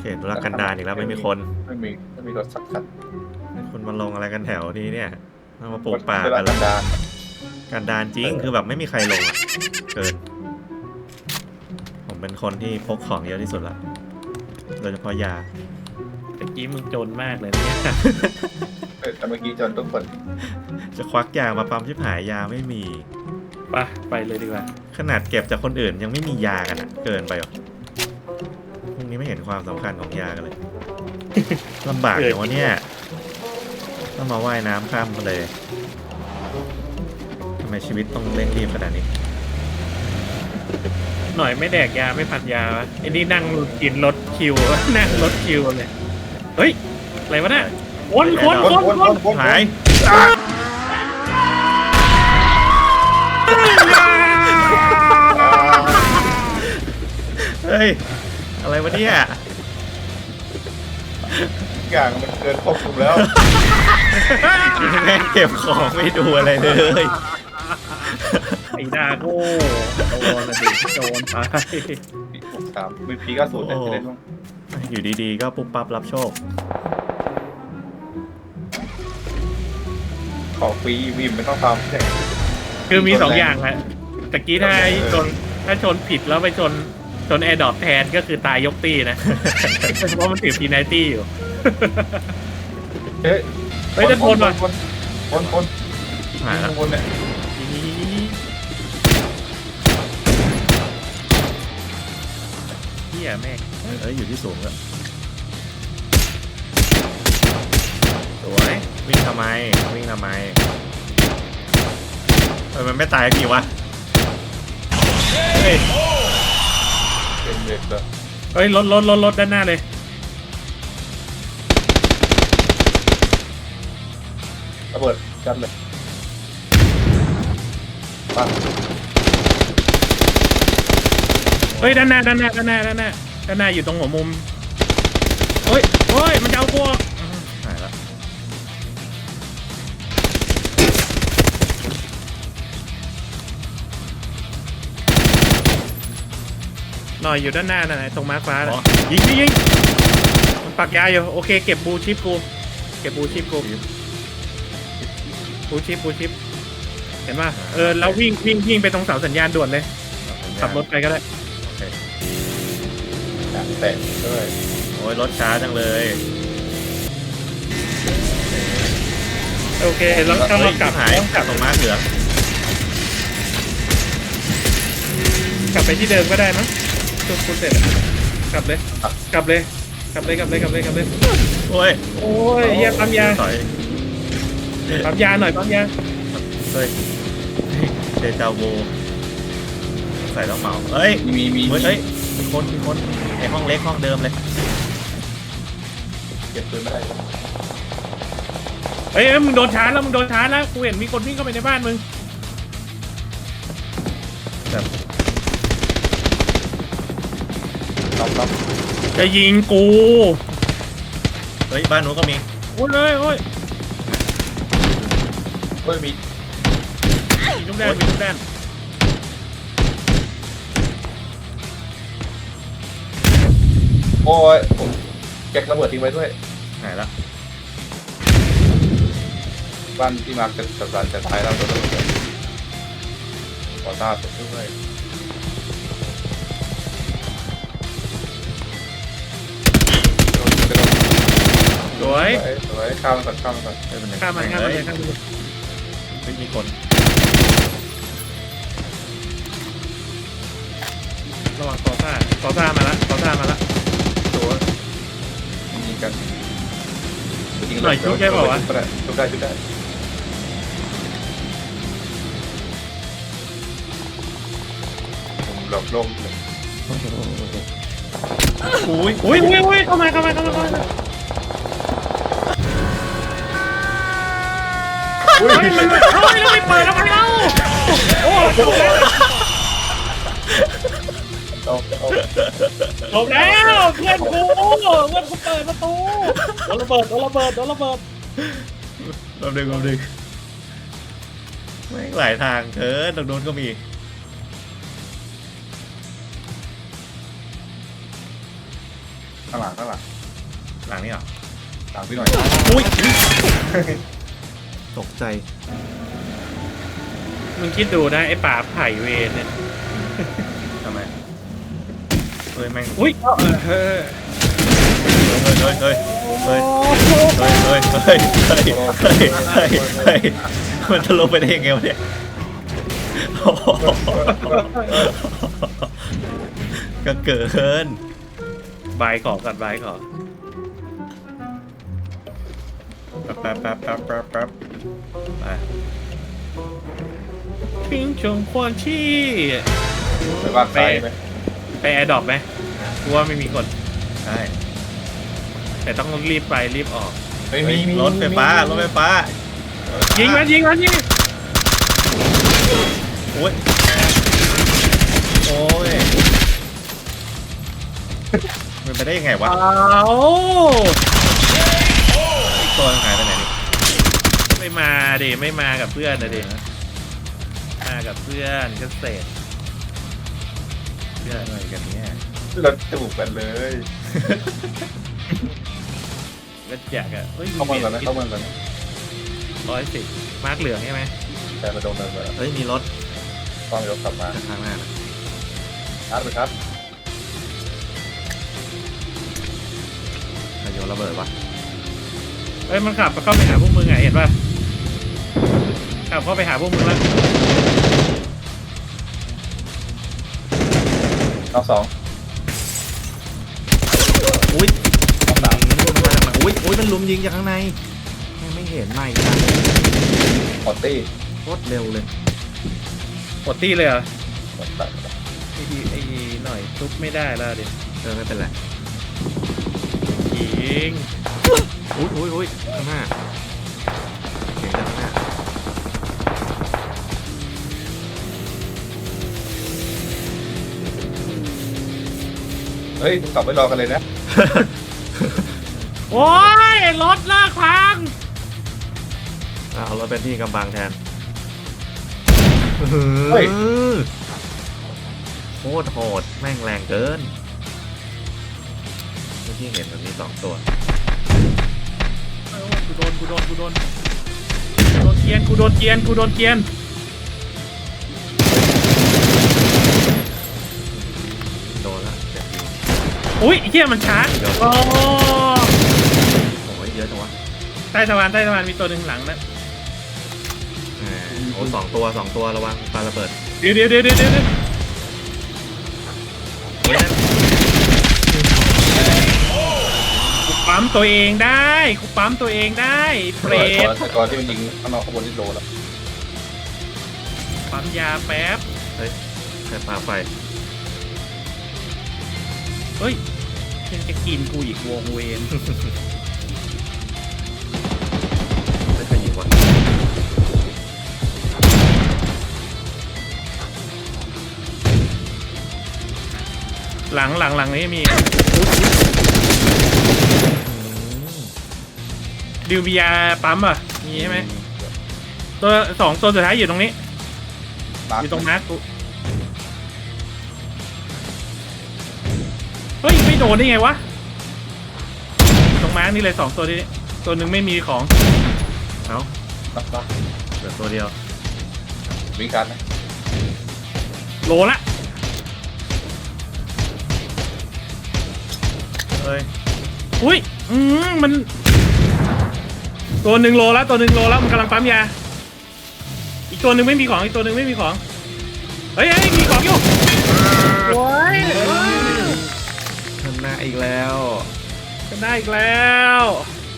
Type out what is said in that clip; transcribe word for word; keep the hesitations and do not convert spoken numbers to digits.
เขตธุรกันดารอีกแล้วไม่มีคนไม่มีไม่มีรถสักคันคนมาลงอะไรกันแถวนี้เนี่ยมาปลูกป่าธุรกันกันดารกันดารจริงคือแบบไม่มีใครลงอ่ะเกิน ผมเป็นคนที่พกของเยอะที่สุดละโดยเฉพาะยาตะกี้มึงจนมากเลยเนี่ยเออแต่เมื่อกี้จนทุกคนจะควักยามาปั๊มชิบหายยาไม่มีไปไปเลยดีกว่าขนาดเก็บจากคนอื่นยังไม่มียากันอ่ะ เกินไปหรอพวกนี้ไม่เห็นความสำคัญของยากันเลย ลำบากอย่างวะเนี่ยต้องมาว่ายน้ำข้ามทะเลทำไมชีวิตต้องเร่งรีบขนาดนี้หน่อยไม่แดกยาไม่ผัดยาวะไอ้นี่นั่งกินรถคิว นั่งรถคิวเลยเฮ้ยอะไรวะเนี่ยคนคนคนคนหายเฮ้ยอะไรวะเนี่ยทุกอย่างมันเกินควบคุมแล้วแม่งเก็บของไม่ดูอะไรเลยไอ้ดาโก้โดนนะดิโดนไปปีหกสามมีพีก็ศูนย์เนี่ยจะได้บ้างอยู่ดีๆก็ปุ๊บปั๊บรับโชคขอฟรีวิมไม่ต้องทำใช่คือมีสองอย่างแหละตะกี้ถ้าชนถ้าชนผิดแล้วไปชนชนแอร์ดรอปแทนก็คือตายยกตี้นะ เพราะมันถือพีไนตี้อยู่เฮ้ยเฮ้ยจะทนว่ะคนคนคนหายละคนเนี่ยเฮียแม่งเอ้ยอยู่ที่สูงแล้วสวยวิ่งทำไมวิ่งทำไมเออมันไม่ตายกี่วะเฮ้ยเป็นเด็กเลยเฮ้ยรถรถรถรถด้านหน้าเลยระเบิดจัดเลยปังเฮ้ยด้านหน้าด้านหน้าด้านหน้าด้านหน้าด้านหน้าอยู่ตรงหัวมุมเฮ้ยเฮ้ยมันจะเอาพวกหายละหน่อยอยู่ด้านหน้าน่ะตรงมาร์คฟ้าน่ะยิงยิงยิงมันปักยาอยู่โอเคเก็บบูชิปกูเก็บบูชิปกูบูชิปบูชิปเห็นป่ะเออแล้ววิ่งวิ่งวิ่งไปตรงเสาสัญญาณด่วนเลยขับรถไปก็ได้โอเคอยากแตะด้วยโอ้ยรถช้าจังเลยโอเคแล้วถ้าเรากลับหายต้องกลับตรงม้าเหลืองกลับไปที่เดิมก็ได้มั้งจุดกูเสร็จอะกลับเลยกลับเลยกลับเลยกลับเลยกลับเลยกลับเลยโอ้ยโอ้ยเฮียปั๊มยาต่อยปั๊มยาหน่อยปั๊มยาเฮ้ยเดจาวูใส่ต้องเหมาเอ้ยมีมีเฮ้ยเฮ้ยมีคนมีคนไอห้องเล็กห้องเดิมเลยเก็บปืนไม่ได้เฮ้ยมึงโดนชาร์จแล้วมึงโดนชาร์จแล้วกูเห็นมีคนวิ่งเข้าไปในบ้านมึงแบบรับรับจะยิงกูเฮ้ยบ้านนู้นก็มีโอ้ยเลยโอ้ยเฮ้ยมีมีลูกแดนมีลูกแดนโอ้ยผมแก๊กระเบิดทิ้งไว้ด้วยหายละบ้านที่มาเกิดสัปดาห์จะท้ายแล้วตัวระเบิดขอทราบด้วยสวยสวยข้ามมันก่อนข้ามมันก่อนเฮ้ยเป็นไงข้ามมาข้ามมาเฮ้ยข้ามมาเฮ้ยมีคนระวังต่อซ่าต่อซ่ามาละต่อซ่ามาละตัวยิงกันหน่อยชุบได้เปล่าวะชุบได้ชุบได้ผมหลบลมอุ้ยอุ้ยอุ้ยอุ้ยเข้ามาเข้ามาเข้ามาเข้ามาอุ้ยเฮ้ยมันเฮ้ยเราไม่เปิดแล้วมันเล่าโอ้เอาเอาหลบแล้วเพื่อนกูเพื่อนกูเปิดประตูโดนระเบิดโดนระเบิดโดนระเบิดรอบดึงรอบดึงไม่งหลายทางเธอตรงโน้นก็มีเข้างหลังข้างหลังหลังนี่เหรอหลังพี่หน่อยอุ้ยตกใจมึงคิดดูนะไอ้ป่าไผ่เวรเนี่ยทำไมเฮ้ยแม่งอุ้ยเออเออเฮ้ยเฮ้ยเฮ้ยเฮ้ยเฮ้ยเฮ้ยเฮ้ยเฮ้ยเฮ้ยเฮ้ยเฮ้ยมันจะลงไปได้ยังไงวะเนี่ยโอ้โหก็เกินบายขอกันบายขอแป๊บแป๊บแป๊บแป๊บแป๊บแป๊บไปพิงชงควอนชี่ไปบ้านซ้ายไหมไปแอร์ดรอปไหมกูว่าไม่มีคนใช่แต่ต้องรีบไปรีบออกไม่มีมีรถไฟฟ้ารถไฟฟ้ายิงมันยิงมันยิงโอ้ยโอ้ยมันไปได้ยังไงวะอ้าวอีกตัวหายไปไหนนี่ไม่มาดิไม่มากับเพื่อนนะดิมากับเพื่อนก็เสร็จเรื่องอะไรกันเนี่ยเราจูบกันเลยก็อยากอะเฮ้ยเข้าเมืองก่อนนะเข้าเมืองก่อนนะร้อยสิบมาร์กเหลืองใช่ไหมแต่มาโดนเมืองก่อนเฮ้ยมีรถต้องยกกลับมาข้างหน้านะชาร์จไปครับใครโยนระเบิดวะเฮ้ยมันขับเข้าไปหาพวกมึงไงเห็นป่ะขับเข้าไปหาพวกมึงแล้วน้องสองอุ้ยน้องสามมันมาจากไหนอุ้ยอุ้ยมันลุมยิงจากข้างในไม่ไม่เห็นไม่นะพอตตี้โคตรเร็วเลยกดตี้เลยเหรอหมดตัดไอ้ดีไอ้หน่อยทุบไม่ได้แล้วดิเออไม่เป็นไรยิงอุ้ยอุ้ยอุ้ยข้างหน้าเสียงจากข้างหน้าเฮ้ยกลับไปรอกันเลยนะโอ้ยรถลากพังอ่ะเอารถเป็นที่กำบังแทนเฮ้ยโคตรโหดแม่งแรงเกินเมื่อกี้เห็นแบบนี้สองตัวเออกูโดนกูโดนกูโดนกูโดนเกียนกูโดนเกียนกูโดนเกียนโดนละเจ็บอยู่อุ้ยไอ้เหี้ยมันชาร์จโอ้โอ้ยเยอะจังวะใต้สะพานใต้สะพานมีตัวหนึ่งหลังนะแหมโอ้สองตัวสองตัวระวังปาระเบิดเดี๋ยวเดี๋ยวเดี๋ยวเดี๋ยวเดี๋ยวเฮ้ยนั่นกูปั๊มตัวเองได้กูปั๊มตัวเองได้เปรก่อนตแต่ก่อนที่มันยิงข้างนอกข้างบนที่โดนแล้วปั๊มยาแป๊บเฮ้ยใครปาไฟเฮ้ยยังจะกินกูอีกวงเวนไม่เคยยิงวะหลังหลังหลังนี้มีดิวมียาปั๊มอ่ะมีใช่ไหมตัวสองตัวสุดท้ายอยู่ตรงนี้มาร์อยู่ตรงมาร์คกูเฮ้ยไม่โดนได้ไงวะตรงมาร์คนี่เลยสองตัวนี้ตัวหนึ่งไม่มีของเอ้านับนับเหลือตัวเดียววิ่งกันนะโลละเฮ้ยอุ้ยอืมมัน ตัวหนึ่งโลละตัวหนึ่งโลละมันกำลังปั๊มยาอีกตัวหนึ่งไม่มีของอีกตัวหนึ่งไม่มีของเฮ้ยเฮ้ยมีของอยู่โอ้ยชนะอีกแล้วชนะอีกแล้ว